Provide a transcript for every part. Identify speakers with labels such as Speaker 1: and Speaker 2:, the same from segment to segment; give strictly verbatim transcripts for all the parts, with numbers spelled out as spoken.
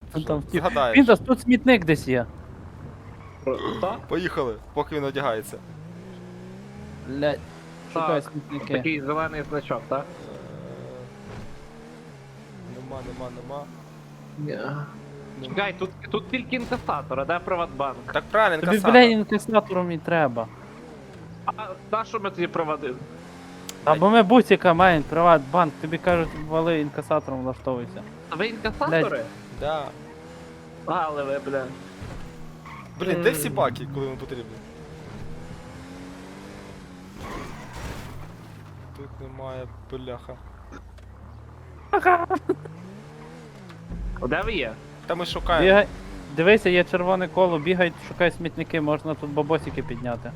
Speaker 1: Що,
Speaker 2: Там втік.
Speaker 1: згадаєш.
Speaker 2: Піндас, тут смітник десь є.
Speaker 3: Так?
Speaker 1: Поїхали, поки він одягається.
Speaker 2: Блять. Шукай
Speaker 3: Так.
Speaker 2: смітники.
Speaker 3: Такий зелений значок, так?
Speaker 1: Е, Нема, нема, нема.
Speaker 3: Ні.
Speaker 1: Ну.
Speaker 3: Чекай, тут, тут тільки інкасатор, а де Приватбанк?
Speaker 1: Так правильно,
Speaker 2: Тобі,
Speaker 1: інкасатор.
Speaker 2: бля, інкасатором і треба.
Speaker 3: А на що ми тоді проводили?
Speaker 2: Або ми бусіка маємо, Приватбанк, тобі кажуть, вали інкасатором влаштовуйся.
Speaker 3: А ви інкасатори?
Speaker 1: Да.
Speaker 3: Але ви, бля.
Speaker 1: Блін, де всі баки, коли вони потрібні? Тут немає бляха.
Speaker 3: Де ви є?
Speaker 1: Та ми шукаємо.
Speaker 2: Бігай. Дивися, є червоне коло, бігай, шукай смітники, можна тут бабосики підняти.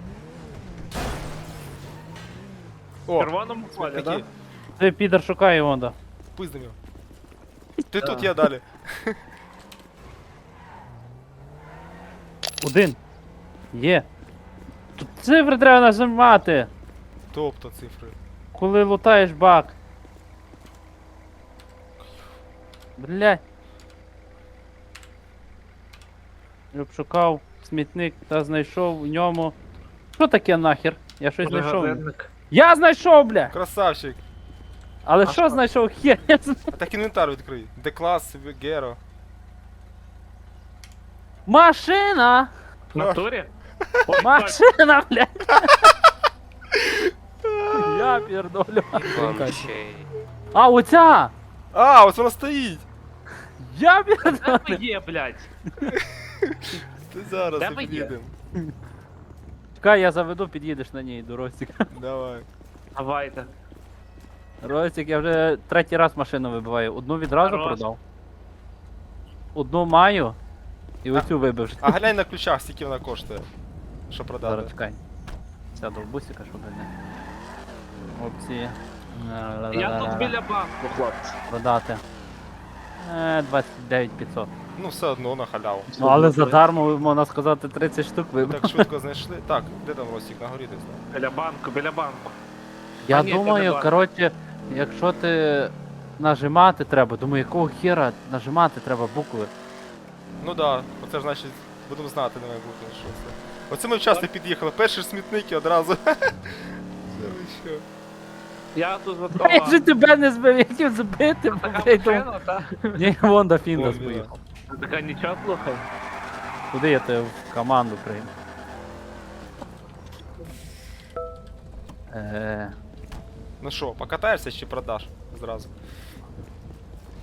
Speaker 3: В
Speaker 1: О,
Speaker 3: червоному полі,
Speaker 1: смітники.
Speaker 3: так?
Speaker 2: Ти підар шукай Івонда.
Speaker 1: Пиздим його. Ти
Speaker 3: Да.
Speaker 1: тут, я далі.
Speaker 2: Один. Є. Тут цифри треба нажимати,
Speaker 1: Тобто цифри.
Speaker 2: коли лутаєш бак. Блять. Я б шукав смітник та знайшов в ньому. Що таке нахер? Я щось знайшов.
Speaker 3: Магазинник.
Speaker 2: Я знайшов, бля!
Speaker 1: Красавчик.
Speaker 2: Але
Speaker 3: А
Speaker 2: що
Speaker 3: що?
Speaker 2: знайшов? Хер, я знаю.
Speaker 1: А так інвентар відкрий. Деклас, Геро.
Speaker 2: Машина!
Speaker 3: В натурі? Ой, так.
Speaker 2: Машина, блядь! Я пердолю. А, оця!
Speaker 1: А, ось вона стоїть!
Speaker 2: Я
Speaker 3: Де
Speaker 2: пердолю.
Speaker 3: ви є, блядь?
Speaker 1: Ти зараз
Speaker 3: Де
Speaker 1: як
Speaker 3: ви є?
Speaker 1: під'їдемо.
Speaker 2: Чекай, я заведу, під'їдеш на ній до Ростика.
Speaker 1: Давай.
Speaker 3: Давайте.
Speaker 2: Ростик, я вже третій раз машину вибиваю. Одну відразу
Speaker 3: Хорош.
Speaker 2: продав. Одну маю. І оцю вибив.
Speaker 1: А глянь на ключах, скільки вона коштує. Що продати.
Speaker 2: Зараз чекай. Сяду в бусика, щоб не. Опції.
Speaker 3: Я тут біля банку, хлопці.
Speaker 2: Продати. Е, двадцять дев'ять п'ятсот.
Speaker 1: Ну все одно на халяву.
Speaker 2: Ну але задармо, можна сказати, тридцять штук вибив.
Speaker 1: Так швидко знайшли. Так, де там Ростик, на горі десь, так?
Speaker 3: Біля банку, біля банку.
Speaker 2: Я
Speaker 3: А ні, це не
Speaker 2: думаю,
Speaker 3: банк.
Speaker 2: коротше, якщо ти нажимати треба, думаю, якого хера нажимати треба букви.
Speaker 1: Ну да, оце ж значить, будемо знати, не має бути, що це. Оце ми вчасно під'їхали, перші смітники одразу. Це ви що?
Speaker 3: Я тут
Speaker 2: Я
Speaker 3: випадково.
Speaker 2: же тебе не збив, я хотів збити,
Speaker 3: Така
Speaker 2: блядь, думаю.
Speaker 3: машина, та?
Speaker 2: Ні, Вонда Фіндас
Speaker 1: Вон,
Speaker 2: поїхав.
Speaker 3: Така нічого, слухай.
Speaker 2: Куди я тебе в команду прийму? Е,
Speaker 1: Ну що, покатаєшся чи продаш зразу?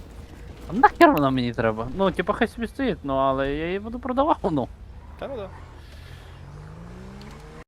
Speaker 2: а нахер вона мені треба? Ну, типа хай собі стоїть, ну але я її буду продавав, ну.
Speaker 1: Та ну да.